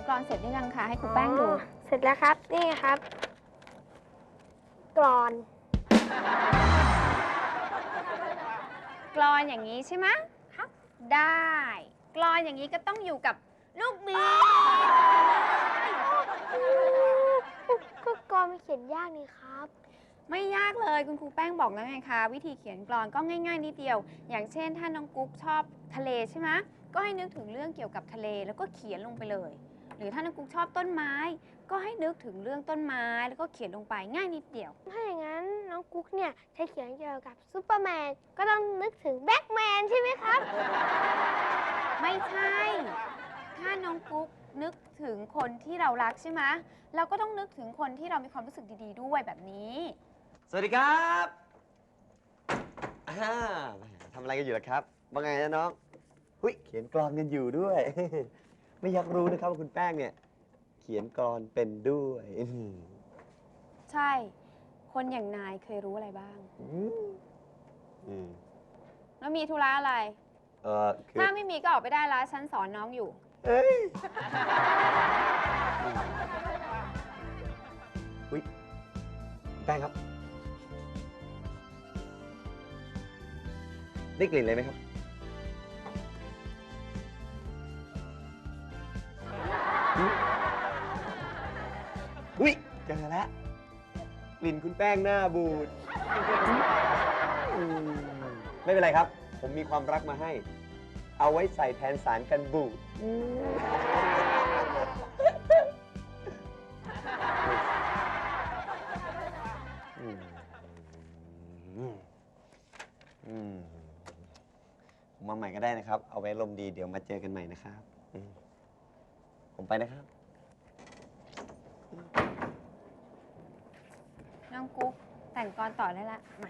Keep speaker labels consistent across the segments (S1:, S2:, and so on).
S1: กลอนเสร็จหรือยังคะให้ครูแป้งดู
S2: เสร็จแล้วครับ นี่ครับ กรอน
S1: กลอนอย่างนี้ใช่ไหมครับได้กลอนอย่างนี้ก็ต้องอยู่กับลูกบีบ
S2: ก็กรอนมันเขียนยากนี่ครับ
S1: ไม่ยากเลยคุณครูแป้งบอกแล้วไงคะวิธีเขียนกลอนก็ง่ายๆนิดเดียว อย่างเช่นถ้าน้องกุ๊กชอบทะเลใช่ไหมก็ให้นึกถึงเรื่องเกี่ยวกับทะเลแล้วก็เขียนลงไปเลย หรือถ้าน้องกุ๊กชอบต้นไม้ ก็ให้นึกถึงเรื่องต้นไม้แล้วก็เขียนลงไปง่ายนิดเดียว
S2: ถ้าอย่างนั้นน้องกุ๊กเนี่ยใช้เขียนเกี่ยวกับซูเปอร์แมน ก็ต้องนึกถึงแบ็กแมนใช่ไหมครับ
S1: ไม่ใช่ ถ้าน้องกุ๊กนึกถึงคนที่เรารักใช่ไหมเราก็ต้องนึกถึงคนที่เรามีความรู้สึกดีๆด้วยแบบนี้
S3: สวัสดีครับทำอะไรกันอยู่ล่ะครับว่าไงนะน้องหุ้ยเขียนกลอนกันอยู่ด้วย ไม่อยากรู้นะครับว่าคุณแป้งเนี่ย เขียนกลอนเป็นด้วย
S1: ใช่ คนอย่างนายเคยรู้อะไรบ้าง แล้วมีธุระอะไร
S3: คือ
S1: ถ้าไม่มีก็ออกไปได้แล้วฉันสอนน้องอยู่
S3: เอ้ยหุ้ยแป้งครับ ได้กลิ่นเลยไหมครับ อุ๊ยเจอแล้วกลิ่นคุณแป้งหน้าบูดไม่เป็นไรครับ ผมมีความรักมาให้ เอาไว้ใส่แทนสารกันบูดผมมาใหม่ก็ได้นะครับ เอาไว้ลมดีเดี๋ยวมาเจอกันใหม่นะครับผมไปนะครับ
S1: น้องกุ๊กแต่งกลอนต่อได้ละมา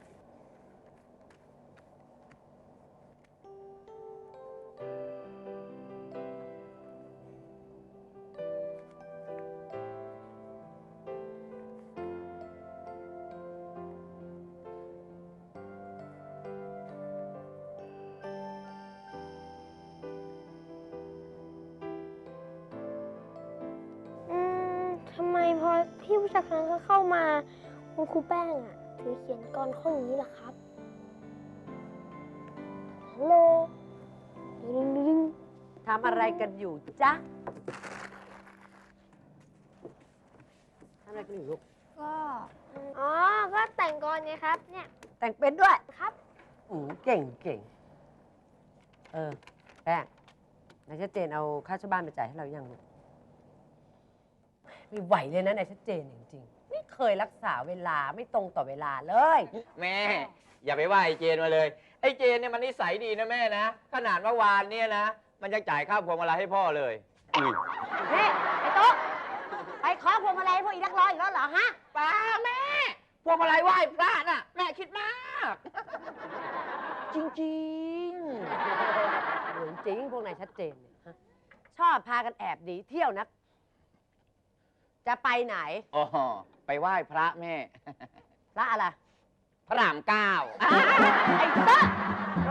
S2: ทำไมพอพี่ผู้ชายคนนั้นเขาเข้ามาคุณครูแป้งอ่ะถือเขียนกรข้ออย่างนี้ล่ะครับฮัลโหลดึงดึงดึง
S4: ทำอะไรกันอยู่จ๊ะทำอะไรกันอยู่ลูก
S1: ก็
S2: อ๋อ ก็แต่งกรไงครับ เนี่ย
S4: แต่งเป็นด้วย
S2: ครับ
S4: เก่งเก่งแป้งนายชัดเจนเอาค่าเช่าบ้านไปจ่ายให้เรายังลูกไม่ไหวเลยนะนายชัดเจนจริงๆไม่เคยรักษาเวลาไม่ตรงต่อเวลาเลย
S5: แม่ อย่าไปว่าไอ้เจนมาเลย ไอ้เจนเนี่ยมันนิสัยดีนะแม่นะ ขนาดเมื่อวานเนี่ยนะ มันยังจ่ายค่าพวงมาลัยให้พ่อเลยอุ้ย
S4: นี่ไอ้โต๊ะไปขอพวงมาลัยพวกอีนักร้องอีกแล้วเหรอฮะ
S5: ป้าแม่ พวงมาลัยไหว้พระน่ะ แม่คิดมาก
S4: จริงๆเหมือนจริงพวกนายชัดเจนเนี่ยฮะชอบพากันแอบหนีเที่ยวนัก จะไปไหน
S5: อ๋อ ไปไหว้พระแม่
S4: พระอะไร
S5: พระรามเก้า
S4: ไอ้เต้อ